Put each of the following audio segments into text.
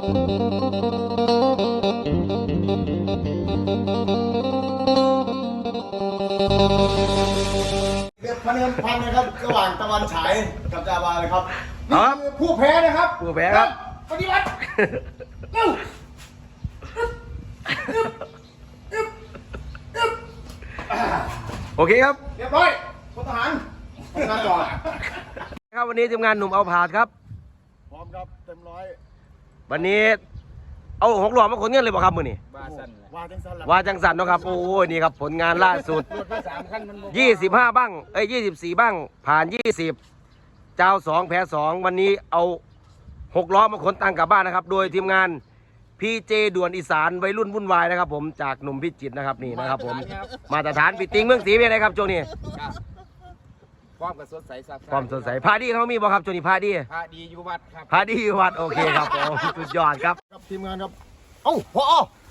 เรียกพันนะครับระหว่างตะวันฉายกับจาวาเลยครับนี่คือผู้แพ้นะครับผู้แพ้ครับปฏิวัติเร็วโอเคครับเรียบร้อยพลทหารทำงานต่อครับวันนี้ทีมงานหนุ่มเอาผาดครับพร้อมครับเต็มร้อยวันนี้เอา6 หลอดมาขนเงินเลยป่ะครับมือนี่ว่าจังสันว่าจังสันนะครับโอ้ยนี่ครับผลงานล่าสุด25บ้าง24บ้างผ่าน20เจ้า2แพ้2วันนี้เอา6 ล้อมาขนตังกลับบ้านนะครับโดยทีมงานพีเจด่วนอีสานวัยรุ่นวุ่นวายนะครับผมจากหนุ่มพิจิตรนะครับนี่นะครับผมมาตรฐานปิดติงเมืองศรีเป็นไงครับโจนี่ความกับสดใสซับความสดใสพาดีเขามีบ่ครับโจนี่พาดีอยู่วัดครับพาดีอยู่วัดโอเคครับผมสุดยอดครับทีมงานครับเอ้าพอ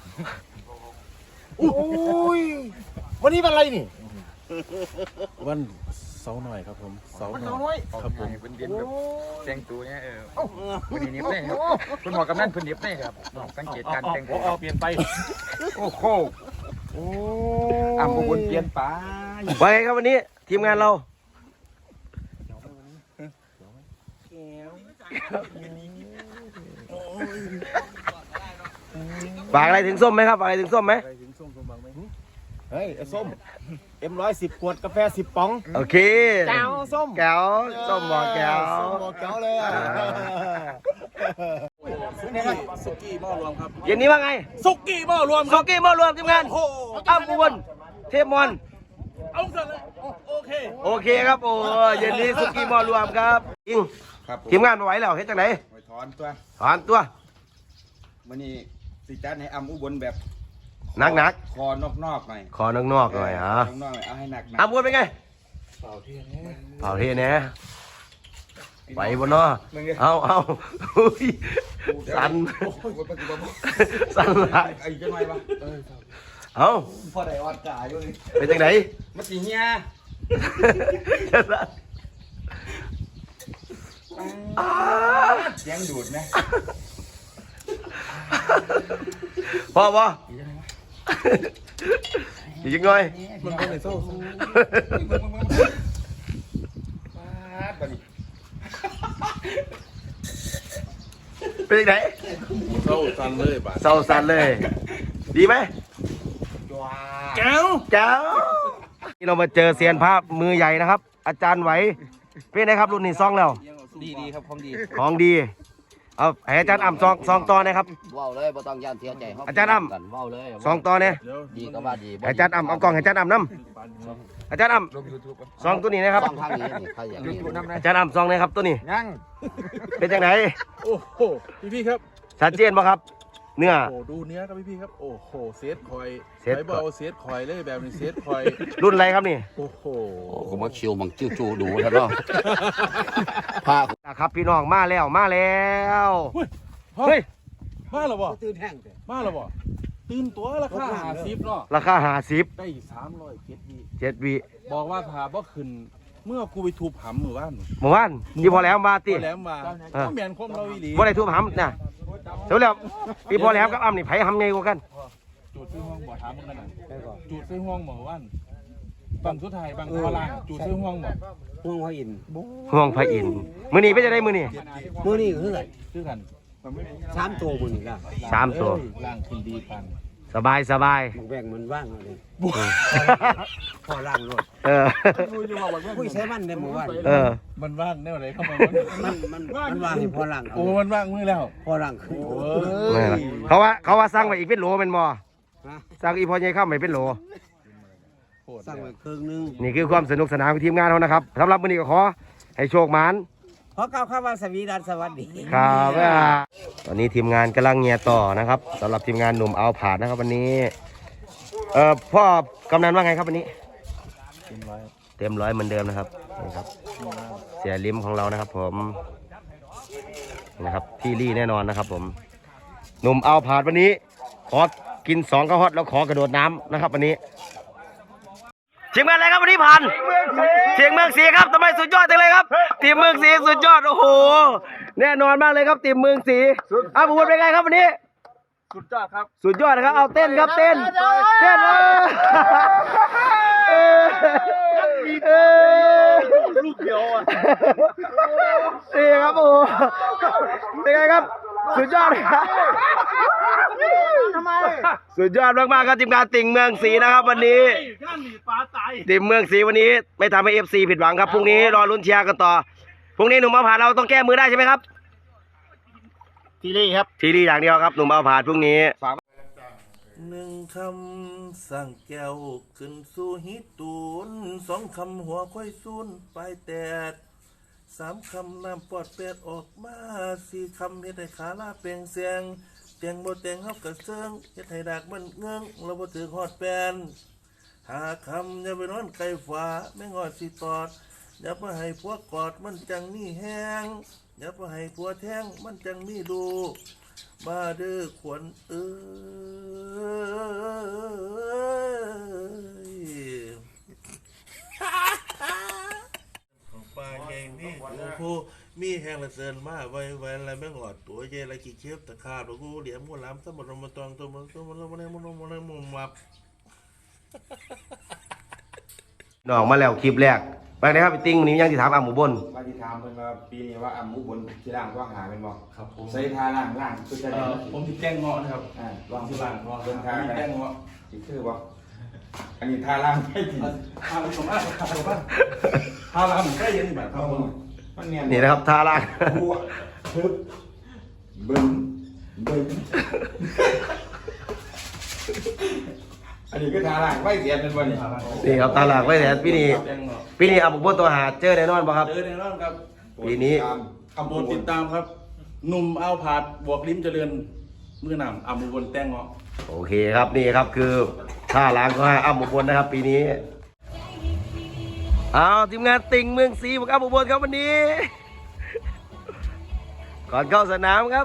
โอ้ยวันนี้วันอะไรนี่วันเสาร์หน่อยครับผมเสาร์หน่อยครับผมเป็นเดือนแบบแต่งตัวเนี่ยวันนี้นิบเลยครับคุณหมอกำนันคุณนิบเลยครับสังเกตการแต่งตัวเปลี่ยนไปโอ้โหอุบลเปลี่ยนไปไปครับวันนี้ทีมงานเราฝากอะไรถึงส้มไหมครับฝากอะไรถึงส้มไหมเฮ้ยส้มM110 ขวดกาแฟ10ป๋องโอเคแก้วส้มแก้วส้มบอกแก้วบอกแก้วเลยสุกี้หม้อรวมครับเย็นนี้ว่าไงสุกี้หม้อรวมสุกี้หม้อรวมทีมงานอ้ำอุบลเทพมอนเอาเสร็จเลยโอเคครับโอ้เย็นนี้สุกี้หม้อรวมครับจริงทีมงานมาไหวแล้วเฮ็ดจังไหนถอนตัววันนี้สิจัดให้อุบลแบบนักคอนอกหน่อยคอนอกหน่อยฮะเอาให้หนักอ้ำอุบลเป็นไงเป่าเทียนแน่ไปบนนอเอาสั่นหลายไอ้จังไรวะเอาพอได้วัดกาอยู่นี่เป็นจังไหนมาสีเฮียเสียงดูดไหมพออีกยังไงมันเป็นไอ้โซ่เป็นยังไงเศร้าสั่นเลยป่ะเศร้าสั่นเลย ดีไหมแก้วนี่เรามาเจอเซียนภาพมือใหญ่นะครับอาจารย์ไหวเป็นไงครับรุ่นนี้ซองแล้วดีครับของดีเอาให้อาจารย์อ่ำซองต่อนะครับว้าวเลยบ่ต้องย่านเสียใจอาจารย์อ่ำว้าวเลยซองต่อเนี่ยดีก็ว่าดีอาจารย์อ่ำเอากล่องให้อาจารย์อ่ำน้ำอาจารย์อ่ำซองตัวนี้นะครับซองทางนี้นี่ใครอย่างนี้อาจารย์อ่ำซองนะครับตัวนี้ยังเป็นจังไหนโอ้โหพี่ครับชัดเจนป่ะครับเนื้อโอ้ดูเนื้อครับพี่ครับโอ้โหเซตคอยไปเบาเซตคอยเลยแบบนี้เซตคอยรุ่นอะไรครับนี่โอ้โหผมว่าคิวมังจิ้วจูดูท่านเนาะพาครับพี่น้องมาแล้วเฮ้ยมาแล้วบ่ตื่นแห้งมาแล้วบ่ตื่นตัวราคา50เนาะราคา50 ได้307 7 วิบอกว่าพาบ่ขึ้นเมื่อกูไปทูบหำหมู่บ้านที่พอแล้วมาติพอแล้วมาก็เหมือนคมเราอีหลีบ่ได้ทูบหำนะเดี๋ยวแล้วพี่พอแล้วกับอ้ำนี่ไผหำไงกว่ากันจูดซื้อห้องบ่ถามมึงกันน่ะจูดซื้อห้องหมู่บ้านบางสุดท้ายบางพลังจูดซื้อห้องบ่ห่วงพระอินห่วงพระอินมื้อนี้เป็นจังได๋มื้อนี้คือกัน3ตัวมื้อนี้ล่ะ 3ตัวล่างขึ้นดีปันสบายแบ่งมันว่างเลยพอล่างรถคุยใช้มันในหมู่บ้านมันว่างแนวไหนเข้ามามันว่างพอล่างโอ้มันว่างมือแล้วพอล่างคือเขาว่าสร้างไว้อีกเป็นโหลเป็นบ่สร้างอีพอใหญ่เข้าไม่เป็นโหลสร้างไว้ครึ่งนึงนี่คือความสนุกสนานของทีมงานเขานะครับสำหรับมื้อนี้ก็ขอให้โชคหมานขอกล่าวคำว่าสวีดัสสวัสดีครับตอนนี้ทีมงานกำลังเงียต่อนะครับสำหรับทีมงานหนุ่มเอาผาดนะครับวันนี้พ่อกำนันว่าไงครับวันนี้เต็มร้อยเหมือนเดิมนะครับนี่ครับเสียลิ้มของเรานะครับผมนะครับที่รี่แน่นอนนะครับผมหนุ่มเอาผาดวันนี้ขอกิน2 ข้าวฮอตแล้วขอกระโดดน้ำนะครับวันนี้ทีมงานอะไรครับวันนี้ผ่านทีมเมืองศรีครับทำไมสุดยอดจังเลยครับทีมเมืองศรีสุดยอดโอ้โหแน่นอนมากเลยครับทีมเมืองศรีอ้าวบุญเป็นไงครับวันนี้สุดยอดครับสุดยอดนะครับเอาเต้นครับเต้นลูกเดียวอ่ะนี่ครับโอ้โหเป็นไงครับสุดยอดครับทำไมสุดยอดมากๆครับทีมงานติ่งเมืองศรีนะครับวันนี้ทีมเมืองศรีวันนี้ไม่ทำให้ FC ผิดหวังครับพรุ่งนี้รอลุ้นเชียร์กันต่อพรุ่งนี้หนุ่มเอาผ่านเราต้องแก้มือได้ใช่ไหมครับทีนี้ครับทีดีอย่างเดียวครับหนุ่มเอาผ่านพรุ่งนี้หนึ่งคำสั่งแก้วขึ้นสู่ฮิตูนสองคำหัวค่อยซูนปลายแตดสามคำน้ำปอดแปดออกมาสี่คำเฮ็ดให้ขาลาเปลงเสียงเตียงบ่เตียงเฮากระเซิงเฮ็ดให้ดากมันเงื้องเราบ่ถือฮอดแปนหาคำอย่าไปนอนไกลฟ้าแม่งอดสิตอดอย่าไปให้พวกกอดมันจังมีแห้งอย่าไปให้ผัวแท้งมันจังมีดูมาเด้อขวัญเอ้ยของป้าใหญ่นี่โอ้โหมีแห้งละเซินมาไว้อะไรแม่งอดตัวใหญ่ละกี่เข็บตะขาบแล้วกูเหลี่ยมกูล้ำสมบัติมาตองตัวมันมุมมับน้องมาแล้วคลิปแรกไปนะครับพี่ติ้งวันนี้ยังที่ถามอ่ะหมูบนว่าที่ถามเพิ่นว่าปีนี้ว่ามุกบนที่ล่างก็หาเป็นบ่ครับผมใส่ทาล่างคือจะได้ผมติดแจ้งเงาะนะครับลองที่บ้านเพราะเพิ่นทามีแจ้งเงาะสิคือบ่อันนี้ทาล่างไม่จริงทาผสมมากทาผสมมากทาลำใกล้เย็นแบบครับผมมันเนียนนี่นะครับท่าล่างบัวทึบบึ้งอันนี้คือทาล่างไว้เสียเป็นบ่นี่นี่ครับท่าล่างไว้แต่พี่นี่อ่ะหมูบนตัวหาเจอแน่นอนป่ะครับเจอแน่นอนครับปีนี้โปรดติดตามครับหนุ่มเอาผาดบวกลิ้มเจริญมือหนำอามูบนแต้งเงาะโอเคครับนี่ครับคือท่าล้างก็ให้อ่ะหมูบนนะครับ ปีนี้เอาทีมงานติ่งเมืองศรีบอกอ่ะหมูบนครับวันนี้ ก่อนเข้าสนามครับ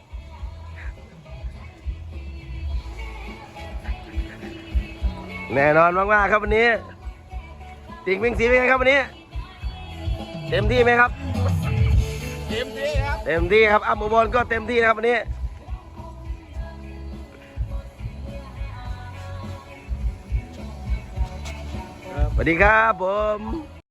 แน่นอนมากๆครับวันนี้ติ่งเมืองศรีเป็นไงครับวันนี้ เต็มที่ไหมครับเต็มที่ครับเต็มที่ครับอัมอุบลก็เต็มที่นะครับวันนี้สวัสดีครับผม